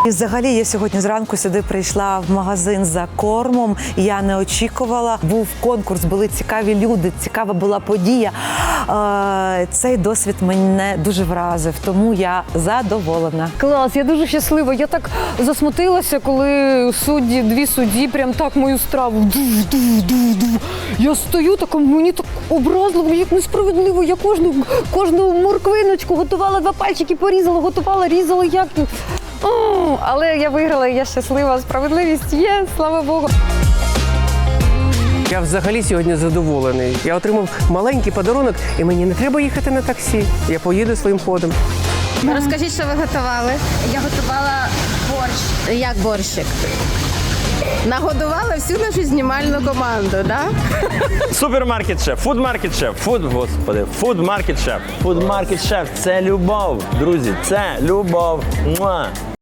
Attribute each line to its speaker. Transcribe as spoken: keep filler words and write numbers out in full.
Speaker 1: І взагалі я сьогодні зранку сюди прийшла в магазин за кормом. Я не очікувала. Був конкурс, були цікаві люди, цікава була подія. Е, Цей досвід мене дуже вразив, тому я задоволена.
Speaker 2: Клас, я дуже щаслива. Я так засмутилася, коли судді, дві судді прям так мою страву. Ду-ду-ду-ду. Я стою така, мені так образливо, як несправедливо. Я кожну, кожну морквиночку готувала, два пальчики порізала, готувала, різала, як. О, але я виграла, і я щаслива. Справедливість є, слава Богу.
Speaker 3: Я взагалі сьогодні задоволений. Я отримав маленький подарунок, і мені не треба їхати на таксі. Я поїду своїм ходом.
Speaker 4: Розкажіть, що ви готували? Я готувала борщ. Як борщик? Нагодувала всю нашу знімальну команду, так? Да?
Speaker 5: Супермаркет шеф, фудмаркет шеф, фуд, господи, фудмаркет шеф. Фудмаркет шеф – це любов, друзі, це любов. Муа.